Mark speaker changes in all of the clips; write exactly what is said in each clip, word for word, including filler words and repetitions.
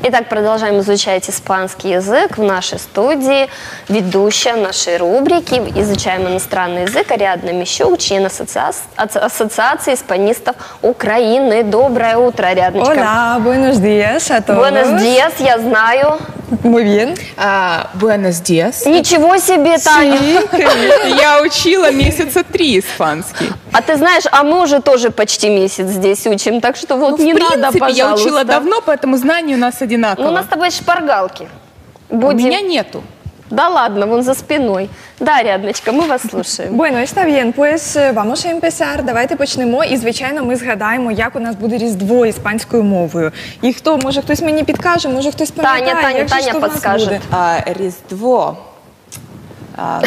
Speaker 1: Итак, продолжаем изучать испанский язык в нашей студии. Ведущая нашей рубрики «Изучаем иностранный язык» Ариадна Мищук, член ассоциации, ассоциации испанистов Украины. Доброе утро, Ариадночка.
Speaker 2: Hola, buenos días a todos.
Speaker 1: Buenos días, я знаю.
Speaker 2: Muy bien.
Speaker 3: А, Buenos días.
Speaker 1: Ничего себе, Таня.
Speaker 3: Я учила месяца три испанский.
Speaker 1: А ты знаешь, а мы уже тоже почти месяц здесь учим, так что вот
Speaker 3: Ну,
Speaker 1: не
Speaker 3: в
Speaker 1: надо,
Speaker 3: принципе,
Speaker 1: пожалуйста.
Speaker 3: я учила давно, поэтому знания у нас одинаковые.
Speaker 1: Ну, у нас с тобой шпаргалки.
Speaker 3: У
Speaker 1: Будем...
Speaker 3: меня нету.
Speaker 1: Да ладно, вон за спиной. Да, Ариадночка, ми вас слушаємо.
Speaker 2: Bueno, está bien, pues vamos a empezar. Давайте почнемо. І, звичайно, ми згадаємо, як у нас буде Різдво іспанською мовою. І хто, може хтось мені підкаже, може хтось пам'ятає,
Speaker 1: Таня, Таня,
Speaker 2: як же
Speaker 1: Таня
Speaker 2: ж то в нас
Speaker 1: підскаже.
Speaker 2: буде?
Speaker 3: А, Різдво. А,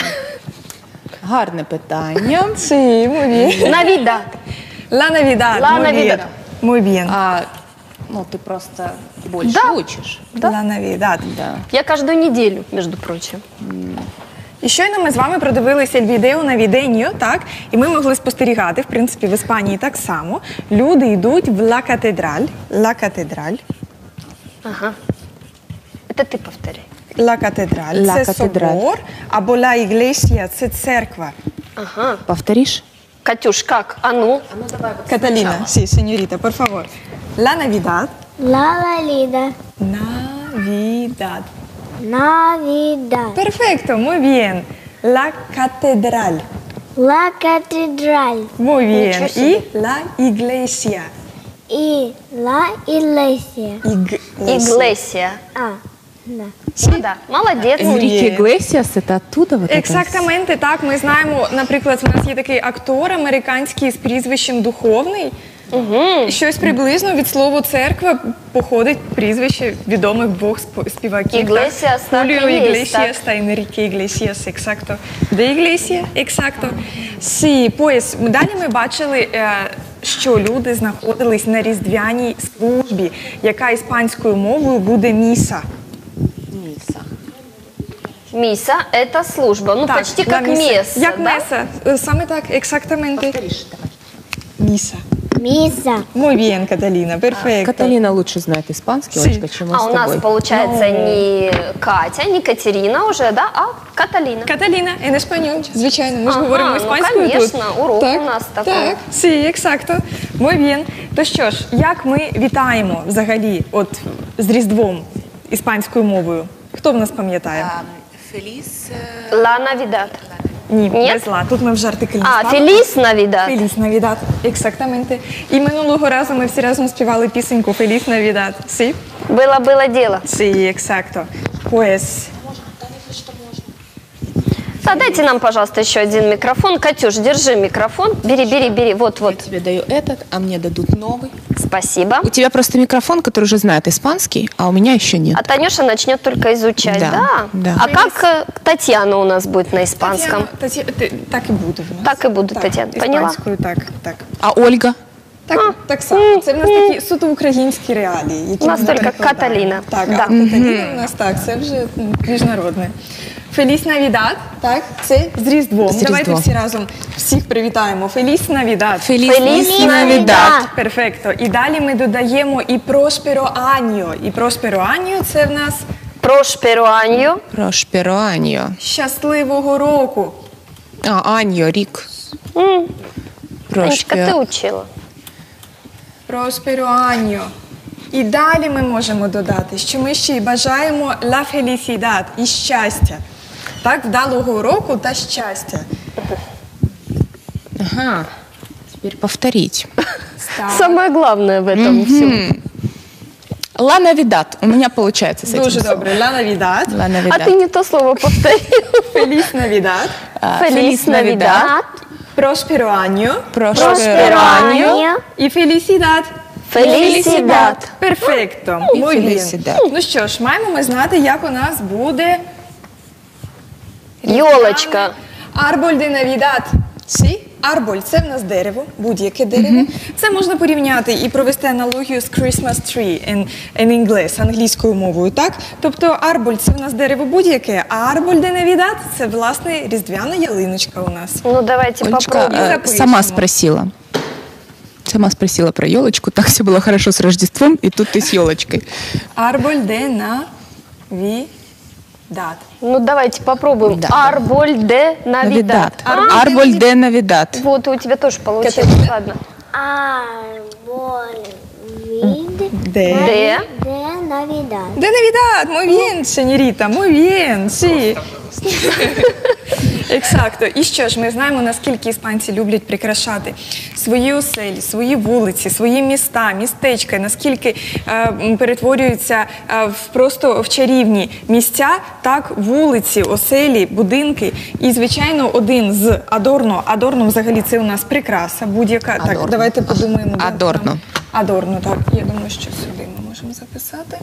Speaker 3: гарне питання.
Speaker 2: Sí, muy bien.
Speaker 1: Навідад.
Speaker 2: La Navidad.
Speaker 1: La
Speaker 2: muy
Speaker 1: Navidad.
Speaker 2: bien. Muy bien.
Speaker 3: А, ну, ты просто больше
Speaker 1: Да.
Speaker 3: учишь.
Speaker 2: La Navidad.
Speaker 3: Да.
Speaker 1: Я каждую неделю, между прочим.
Speaker 2: І щойно ми з вами продивилися відео на віденьо, так? І ми могли спостерігати, в принципі, в Іспанії так само. Люди йдуть в Ла Катедраль. Ла Катедраль.
Speaker 1: Ага. Это ты повторяй.
Speaker 2: Ла Катедраль
Speaker 3: Ла
Speaker 2: – це
Speaker 3: Катедраль.
Speaker 2: собор, або Ла Іглесія – це церква.
Speaker 1: Ага.
Speaker 3: Повторишь?
Speaker 1: Катюш, как? А ну?
Speaker 2: Каталіна, sí, señorita, por favor. La Navidad.
Speaker 4: La Navidad.
Speaker 2: Navidad.
Speaker 4: Navidad.
Speaker 2: Perfecto, muy bien. La Catedral.
Speaker 4: La Catedral.
Speaker 2: Muy bien.
Speaker 1: Ничего
Speaker 2: Y
Speaker 1: себе.
Speaker 2: la Iglesia.
Speaker 4: Y la Iglesia.
Speaker 2: Iglesia.
Speaker 1: Иглесия.
Speaker 4: А, да.
Speaker 1: Ну да, молодец.
Speaker 2: Muy
Speaker 3: Энрике
Speaker 2: bien.
Speaker 3: Иглесиас, это оттуда вот это?
Speaker 2: Ексактаменти, так, ми знаємо, наприклад, у нас є такий актор американський з прізвищем Духовний.
Speaker 1: Угу.
Speaker 2: Щось приблизно від слова церква походить прізвище відомих двох сп- співаків.
Speaker 1: Іглесіас, так,
Speaker 2: Хуліо
Speaker 1: і є,
Speaker 2: Іглесіас та Енріке Іглесіас, ексакто. Де Іглесія? Ексакто. Сі, пояс. Далі ми бачили, е, що люди знаходились на різдвяній службі, яка іспанською мовою буде міса.
Speaker 3: Миса.
Speaker 1: Миса – это служба. Ну,
Speaker 2: Так,
Speaker 1: почти
Speaker 2: да,
Speaker 1: как
Speaker 2: міса.
Speaker 1: месса,
Speaker 2: Як
Speaker 1: да?
Speaker 2: меса. Е, Саме так, ексактаменти.
Speaker 3: Повторишь, давай.
Speaker 2: Міса.
Speaker 4: Миса.
Speaker 2: Muy bien, Каталіна, перфекто.
Speaker 3: Каталина лучше знает испанский,
Speaker 2: Си.
Speaker 3: Олечка, чем мы
Speaker 1: А
Speaker 3: с
Speaker 1: у
Speaker 3: тобой.
Speaker 1: нас получается
Speaker 2: Ну.
Speaker 1: не Катя, не Катерина уже, да, а Каталина.
Speaker 2: Каталіна, en español, звичайно, ми ж
Speaker 1: Ага,
Speaker 2: говоримо
Speaker 1: ну,
Speaker 2: іспанською
Speaker 1: конечно,
Speaker 2: тут.
Speaker 1: урок
Speaker 2: так,
Speaker 1: у нас такий.
Speaker 2: Так, sí, ексакто. Muy bien. То що ж, як ми вітаємо взагалі от з Різдвом іспанською мовою? Хто в нас пам'ятає?
Speaker 3: Фелис.
Speaker 1: Ла Навидад.
Speaker 2: Ні,
Speaker 1: Ні?
Speaker 2: без ла. Тут ми вже артикль
Speaker 1: А,
Speaker 2: ставимо.
Speaker 1: Феліс Навидад.
Speaker 2: Феліс Навідад, ексактаменти. І минулого разу ми всі разом співали пісеньку Феліс Навідад. Sí?
Speaker 1: Было-было дело.
Speaker 2: Sí, exacto. Pues,
Speaker 1: Да, дайте нам, пожалуйста, еще один микрофон. Катюш, держи микрофон. Бери, бери, бери. Вот, вот.
Speaker 3: Тебе даю этот, а мне дадут новый.
Speaker 1: Спасибо.
Speaker 3: У тебя просто микрофон, который уже знает испанский, а у меня еще нет.
Speaker 1: А Танюша начнет только изучать, да?
Speaker 3: Да, да.
Speaker 1: А как э, Татьяна у нас будет на испанском?
Speaker 2: Тетяна, Тетя- ти- так і буде в нас.
Speaker 1: Так і буде, Тетяна. Поняла?
Speaker 2: Іспанською, так, так.
Speaker 3: А Ольга?
Speaker 2: Так, так само. Це в нас такі суто українські реалії. Які
Speaker 1: У нас
Speaker 2: ми
Speaker 1: тільки
Speaker 2: перекладаємо.
Speaker 1: Каталіна.
Speaker 2: Так,
Speaker 1: Да.
Speaker 2: а Каталіна у нас так, це вже м, міжнародне. Феліс Навідад, так, це з Різдвом.
Speaker 3: З
Speaker 2: Давайте
Speaker 3: Різдвом.
Speaker 2: всі разом всіх привітаємо. Феліс Навідад.
Speaker 3: Фелис
Speaker 1: Феліс
Speaker 3: Навидад.
Speaker 2: Перфекто. І далі ми додаємо і Просперо Аньо. І Просперо Аньо – це в нас
Speaker 1: Прошперо Анью.
Speaker 3: Прошперо Аньо.
Speaker 2: щасливого року.
Speaker 3: А, Аньо, Рик.
Speaker 1: М, Анечка, ты
Speaker 3: Прошперо.
Speaker 1: учила.
Speaker 2: Просперо Аньо. І далі ми можемо додати, що ми ще й бажаємо ла фелісідад і щастя. Так, вдалого року та щастя.
Speaker 3: Ага. Теперь повторить.
Speaker 2: Так.
Speaker 1: Самое главное в этом всем.
Speaker 3: Ла Навидад. У меня получается с этим.
Speaker 2: Дуже
Speaker 3: словом.
Speaker 2: добре. Ла Навідад.
Speaker 3: Ла
Speaker 1: А
Speaker 3: Навидад.
Speaker 1: ты не то слово повторил.
Speaker 2: Феліс Навідад.
Speaker 3: А,
Speaker 1: Феліс Навидад.
Speaker 2: Просперо Аньо.
Speaker 3: Прошперо Аньо.
Speaker 2: І фелісідад.
Speaker 1: Фелисидад.
Speaker 2: Перфекто.
Speaker 3: І
Speaker 2: Muy bien.
Speaker 3: фелісідад.
Speaker 2: Ну що ж, маємо ми знати, як у нас буде
Speaker 1: Йолочка.
Speaker 2: Арболь де Навідад. Сі? Арболь – це в нас дерево, будь-яке дерево. Це можна порівняти і провести аналогію з Christmas tree in, in English, англійською мовою, так? Тобто арболь – це в нас дерево будь-яке, а арболь де Навідад – це, власне, різдвяна ялиночка у нас.
Speaker 1: Ну, давайте
Speaker 3: Олечка
Speaker 1: попробуем.
Speaker 3: э,
Speaker 2: запишем.
Speaker 3: сама спросила. Сама спросила про елочку, так все было хорошо с Рождеством, и тут ты с елочкой.
Speaker 2: Арболь де навідат.
Speaker 1: Ну, давайте попробуем.
Speaker 3: Да.
Speaker 1: Арболь де навидат.
Speaker 3: Навидат.
Speaker 1: А,
Speaker 3: Арболь де навидат.
Speaker 1: Вот, и у тебя тоже получилось.
Speaker 2: Каталина.
Speaker 1: Ладно.
Speaker 4: Árbol vid
Speaker 2: Де?
Speaker 1: Де?
Speaker 4: de Navidad.
Speaker 2: De Navidad, muy bien, señorita, muy bien, sí. Ексакто. І що ж, ми знаємо, наскільки іспанці люблять прикрашати свої оселі, свої вулиці, свої міста, містечка, наскільки е, м, перетворюються е, в просто в чарівні місця, так, вулиці, оселі, будинки. І, звичайно, один з Адорно. Адорно, взагалі, це у нас прикраса будь-яка. Так,
Speaker 3: Адорно.
Speaker 2: давайте подумаємо. де
Speaker 3: Адорно.
Speaker 2: там. Адорно, так. Я думаю, що сюди ми можемо записати.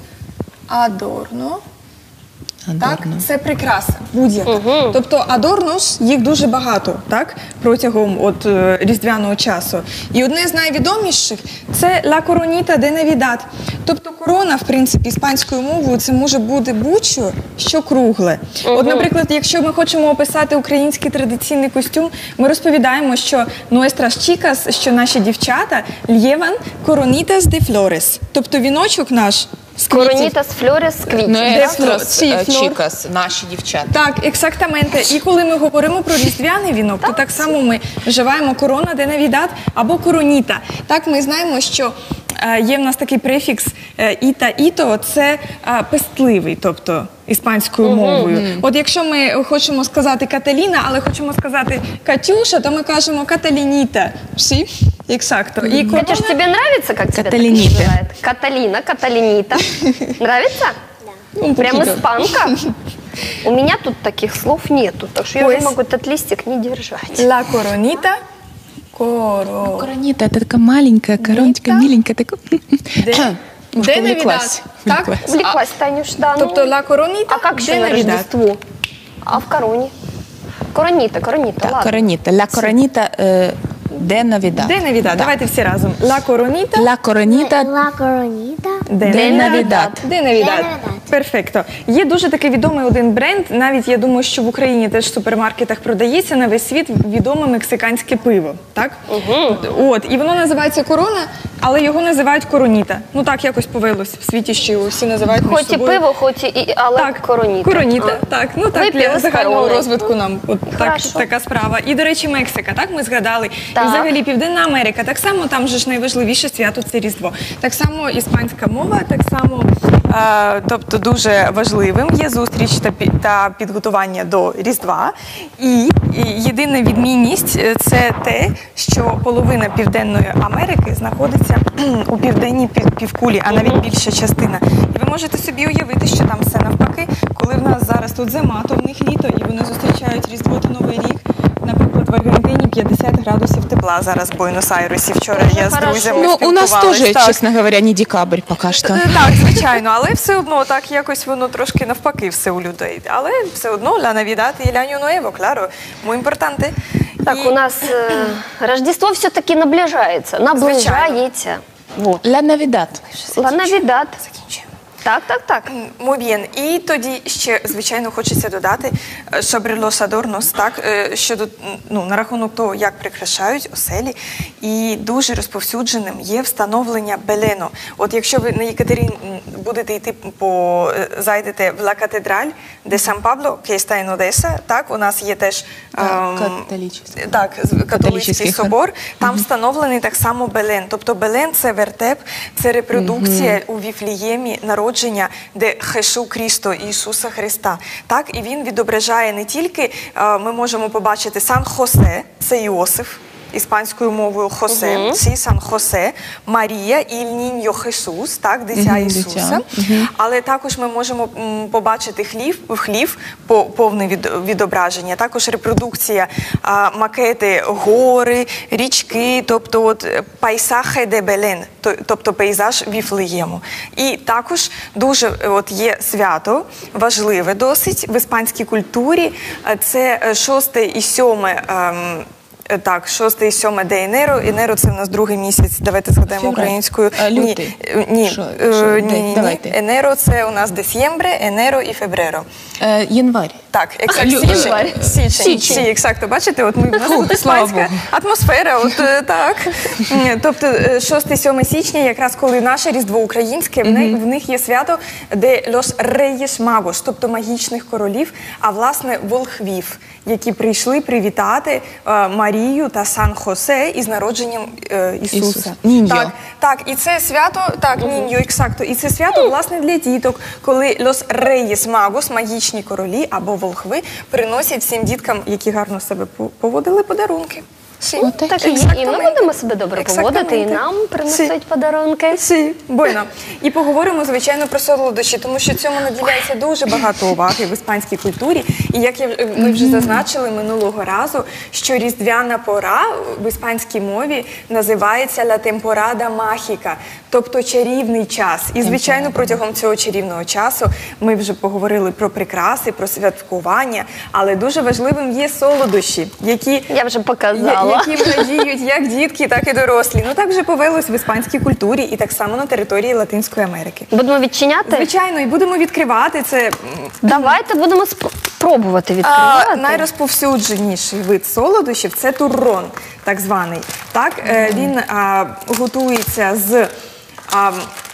Speaker 2: Адорно. Так,
Speaker 3: Адорно.
Speaker 2: це прикраса будь-яка. Тобто адорнос, їх дуже багато, так, протягом от е, різдвяного часу. І одне з найвідоміших це ла короніта де навідат. Тобто корона, в принципі, іспанською мовою це може бути будь-що, що кругле. От, наприклад, якщо ми хочемо описати український традиційний костюм, ми розповідаємо, що nuestras chicas, що наші дівчата, llevan coronitas de flores. Тобто віночок наш з квітів.
Speaker 1: Коронітас флорес квітів.
Speaker 3: Ну,
Speaker 2: Де
Speaker 3: естрос,
Speaker 2: флор? Сі,
Speaker 3: е,
Speaker 2: флор.
Speaker 3: чікас, наші дівчата.
Speaker 2: Так, ексактаменте. І коли ми говоримо про різдвяний вінок, то так само ми вживаємо корона де навідат або короніта. Так, ми знаємо, що е, є в нас такий префікс е, іта-іто, це е, пестливий, тобто іспанською мовою. От якщо ми хочемо сказати Каталіна, але хочемо сказати Катюша, то ми кажемо Каталініта. Всі? Ексакто. І корона...
Speaker 1: Катюш, тебе нравится, как тебя так
Speaker 3: Каталинита.
Speaker 1: называют? Каталина, Каталинита. Нравится?
Speaker 2: Ну,
Speaker 1: Прям
Speaker 2: покидо.
Speaker 1: испанка. У меня тут таких слов нету, так что я
Speaker 2: Ой.
Speaker 1: уже могу этот листик не держать.
Speaker 2: Ла короніта. Коро...
Speaker 3: Коронита, это такая маленькая короночка,
Speaker 2: Нита.
Speaker 3: миленькая. Такая.
Speaker 2: Де?
Speaker 3: Может,
Speaker 2: Де
Speaker 3: увлеклась.
Speaker 2: навідат? Так?
Speaker 3: Увлеклась.
Speaker 1: Увлеклась, Танюш, да. ну.
Speaker 2: Тобто ла короніта,
Speaker 1: А как еще
Speaker 2: де
Speaker 1: на
Speaker 2: навідат?
Speaker 1: Рождество? А в короне? Коронита, коронита,
Speaker 3: Так,
Speaker 1: ладно.
Speaker 3: коронита. Ла коронита е, де навідат.
Speaker 2: Де навідат? Давайте всі разом. Ла короніта.
Speaker 3: Ла коронита
Speaker 4: La coronita
Speaker 2: Де
Speaker 3: де навідат.
Speaker 2: Де навідат.
Speaker 4: навідат.
Speaker 2: Перфекто. Є дуже такий відомий один бренд, навіть я думаю, що в Україні теж в супермаркетах продається на весь світ відоме мексиканське пиво. Так? От, і воно називається Корона, але його називають Короніта. Ну так якось повелось в світі, що всі називають між
Speaker 1: Хоть и
Speaker 2: собою.
Speaker 1: пиво, хоть и, и але
Speaker 2: Так,
Speaker 1: коронита.
Speaker 2: Короніта, так. Ну так,
Speaker 1: Випили
Speaker 2: для
Speaker 1: з
Speaker 2: загального
Speaker 1: короною.
Speaker 2: розвитку нам от так,
Speaker 1: Хорошо.
Speaker 2: така справа. І, до речі, Мексика, так, ми згадали.
Speaker 1: Так.
Speaker 2: І взагалі Південна Америка, так само там же ж найважливіше свято – це Різдво. Так само іспанська мова, так само, е, тобто дуже важливим є зустріч та, пі- та підготування до Різдва. І, і єдина відмінність е, – це те, що половина Південної Америки знаходиться у південній пів- півкулі, а навіть більша частина. І ви можете собі уявити, що там все навпаки, коли в нас зараз тут зима, то в них літо, і вони зустрічають Різдво та Новий рік. Наприклад, в Аргентині п'ятдесят градусів тепла зараз в Буенос-Айресі. Вчора
Speaker 1: Дуже
Speaker 2: я з
Speaker 1: хорошо.
Speaker 2: друзями
Speaker 3: Ну, у нас
Speaker 2: спілкувалась.
Speaker 3: тоже,
Speaker 2: Так.
Speaker 3: честно говоря, не декабрь пока что.
Speaker 2: Е, Так, звичайно, але все одно так якось воно трошки навпаки все у людей. Але все одно la Navidad y el Año Nuevo, claro, muy importante.
Speaker 1: Так,
Speaker 2: І-
Speaker 1: у нас э, Рождество все-таки наближается. Наближається. Вот.
Speaker 3: Ла навідат.
Speaker 1: Ла Навідат.
Speaker 2: Закінчуємо.
Speaker 1: Так, так, так.
Speaker 2: Muy bien. І тоді ще, звичайно, хочеться додати е, sobre los adornos, так, е, щодо, ну, на рахунок того, як прикрашають оселі. І дуже розповсюдженим є встановлення белено. От якщо ви на Єкатерин будете йти по, е, зайдете в Ла Катедраль де Сан Пабло, que está en Odessa, так, у нас є теж
Speaker 3: А,
Speaker 2: ем,
Speaker 3: католический.
Speaker 2: так, з- католицький
Speaker 3: Католицький хор.
Speaker 2: собор, там встановлений так само Белен. Тобто Белен – це вертеп, це репродукція у Віфліємі народження, де Хешу Крісто, Ісуса Христа. Так, і він відображає не тільки, е, ми можемо побачити Сан-Хосе, це Іосиф, іспанською мовою Хосе, uh Сі Сан Хосе, Марія і Ніньо Хесус, так, дитя
Speaker 3: Мгм,
Speaker 2: Ісуса.
Speaker 3: дитя.
Speaker 2: Але також ми можемо м, побачити хлів, хлів по- повне від, відображення, також репродукція, а, макети, гори, річки, тобто от е, пейсахе де Белен, то- тобто пейзаж Віфлеєму. І також дуже е, от є свято, важливе досить в іспанській культурі, е, це е, шосте і сьоме ем, Е, Так, шосте і сьоме де Енеро. Енеро – це в нас другий місяць. Давайте згадаємо
Speaker 3: Февраль.
Speaker 2: українською.
Speaker 3: А, лютий.
Speaker 2: Ні, е, ні,
Speaker 3: Що-
Speaker 2: е,
Speaker 3: що?
Speaker 2: ні,
Speaker 3: Де?
Speaker 2: ні, ні.
Speaker 3: Давайте.
Speaker 2: Енеро – це у нас десьємбре, Енеро і Фебреро.
Speaker 3: Е, январь.
Speaker 2: Так, ексакт,
Speaker 3: Лю-
Speaker 2: січень.
Speaker 1: Январь.
Speaker 2: Січень.
Speaker 1: Січень.
Speaker 2: Сі, ексакто. Бачите, от ми, в нас
Speaker 3: Фу,
Speaker 2: тут
Speaker 3: слава
Speaker 2: іспанська
Speaker 3: Богу.
Speaker 2: атмосфера, от е, так. М, Тобто шостого-сьомого січня, якраз коли наше Різдво українське, в, них, в них є свято, де Los Reyes Magos, тобто магічних королів, а власне волхвів, які прийшли привітати е, Марію та Сан-Хосе із народженням е, Ісуса.
Speaker 3: Ісуса. Ніньо.
Speaker 2: Так, так, і це свято, так, ніньо, ексакто, і це свято, власне, для діток, коли Los Reyes Magos, магічні королі або волхви, приносять всім діткам, які гарно себе по- поводили, подарунки. Сі.
Speaker 1: Так і, є. І ми будемо себе добре поводити, і
Speaker 2: Ексактаменте.
Speaker 1: нам
Speaker 2: Сі.
Speaker 1: принесуть подарунки.
Speaker 2: Сі, бойно. І поговоримо, звичайно, про солодощі, тому що цьому наділяється дуже багато уваги в іспанській культурі. І як я, в- ми вже зазначили минулого разу, що різдвяна пора в іспанській мові називається «la temporada mágica», тобто чарівний час. І, звичайно, протягом цього чарівного часу ми вже поговорили про прикраси, про святкування, але дуже важливим є солодощі, які
Speaker 1: Я вже
Speaker 2: Я-
Speaker 1: показала.
Speaker 2: які радіють як дітки, так і дорослі. Ну так вже повелось в іспанській культурі і так само на території Латинської Америки.
Speaker 1: Будемо відчиняти?
Speaker 2: Звичайно, і будемо відкривати це. м,
Speaker 1: Давайте будемо спро- пробувати
Speaker 2: А,
Speaker 1: відкривати.
Speaker 2: найрозповсюдженіший вид солодощів це туррон, так званий. Так, е, він а, готується з а,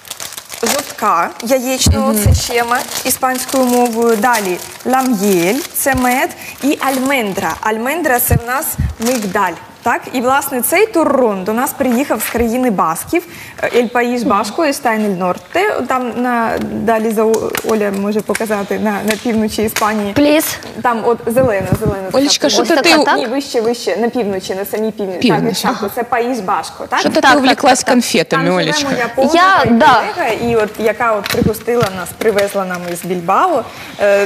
Speaker 2: жовтка яєчного, це щема іспанською мовою. Далі лам'єль, це мед, і альмендра. Альмендра – це в нас мигдаль. Так, і власне цей туррон до нас приїхав з країни Басків, Ель Паїш Башко і Штайн Ель Норте. Там на далі за О- Оля може показати на, на півночі Іспанії.
Speaker 1: Пліс.
Speaker 2: Там от зелена, зелена. така
Speaker 3: Олечка, що
Speaker 1: Ось
Speaker 3: то
Speaker 1: така,
Speaker 3: ти,
Speaker 1: так?
Speaker 2: Ні, вище, вище, на півночі, на самій півночі.
Speaker 3: Північ,
Speaker 2: Так, ага. Це Паїс Башко, так?
Speaker 3: що то
Speaker 1: Так,
Speaker 3: ти увліклась
Speaker 1: так, так.
Speaker 3: конфетами,
Speaker 2: Там живе
Speaker 3: Олечка?
Speaker 2: моя подруга
Speaker 1: Я,
Speaker 2: і
Speaker 1: да.
Speaker 2: колега, і от, яка от пригостила нас, привезла нам із Більбао. Е,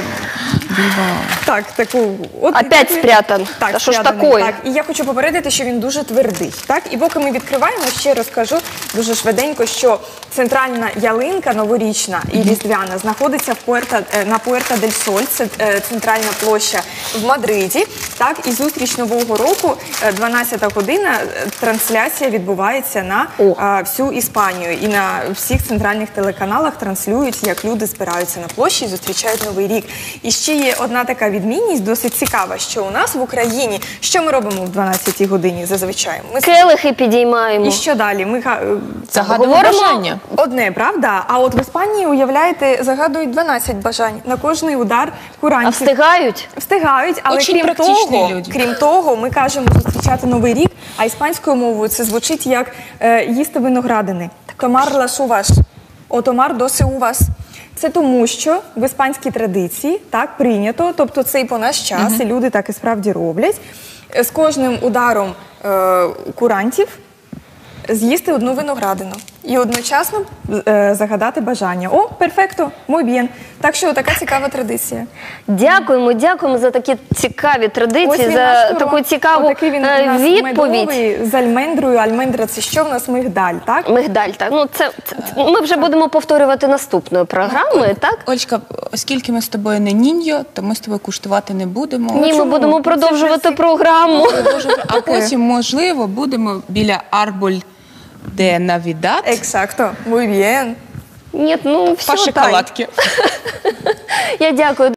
Speaker 2: Так, таку... От,
Speaker 1: Опять
Speaker 2: таку-
Speaker 1: спрятан.
Speaker 2: Так,
Speaker 1: Та що ж
Speaker 2: спрятаний,
Speaker 1: такое?
Speaker 2: Так, і я хочу попередити, що він дуже твердий. Так, і поки ми відкриваємо, ще розкажу дуже швиденько, що центральна ялинка новорічна і різдвяна знаходиться в Пуерта, е, на Пуерта дель Соль, це е, центральна площа в Мадриді. Так, і зустріч Нового року, е, дванадцята година, е, трансляція відбувається на
Speaker 1: О.
Speaker 2: е, всю Іспанію. І на всіх центральних телеканалах транслюють, як люди збираються на площі і зустрічають Новий рік. І ще є одна така відмінність, досить цікава, що у нас в Україні, що ми робимо в дванадцятій годині зазвичай? Ми
Speaker 1: Келихи підіймаємо.
Speaker 2: і що далі? Ми га- е,
Speaker 3: Загадуємо
Speaker 1: Говоримо-
Speaker 3: бажання.
Speaker 2: одне, правда? А от в Іспанії, уявляєте, загадують дванадцять бажань на кожний удар
Speaker 1: А
Speaker 2: курантів.
Speaker 1: встигають?
Speaker 2: Встигають, але
Speaker 3: Очень
Speaker 2: крім
Speaker 3: практичні
Speaker 2: того,
Speaker 3: люди.
Speaker 2: крім того, ми кажемо зустрічати Новий рік, а іспанською мовою це звучить як е, їсти виноградини. Томар лас увас, о томар доси увас. Це тому, що в іспанській традиції так прийнято, тобто це і по наш час, і люди так і справді роблять. Е, З кожним ударом е, курантів з'їсти одну виноградину і одночасно е, загадати бажання. О, перфекто, muy bien. Так що така цікава традиція.
Speaker 1: Дякуємо, дякуємо за такі цікаві традиції,
Speaker 2: він
Speaker 1: за
Speaker 2: наш турон.
Speaker 1: таку цікаву
Speaker 2: Отакий він у
Speaker 1: е,
Speaker 2: нас
Speaker 1: відповідь.
Speaker 2: медовий, з альмендрою. Альмендра – це що в нас? Мигдаль, так?
Speaker 1: Мигдаль, так. Ну, це, це, ми вже будемо повторювати наступної програми, так?
Speaker 3: Олечка, оскільки ми з тобою не ніньо, то ми з тобою куштувати не будемо.
Speaker 1: Ні, ми
Speaker 2: чому?
Speaker 1: будемо
Speaker 2: Це
Speaker 1: продовжувати
Speaker 2: вже
Speaker 1: програму.
Speaker 3: Продовжувати. А потім, можливо, будемо біля Арболь де Навідад
Speaker 2: Ексакто, muy bien.
Speaker 1: Ні, ну
Speaker 3: по
Speaker 1: все, так.
Speaker 3: шоколадці.
Speaker 1: Я дякую.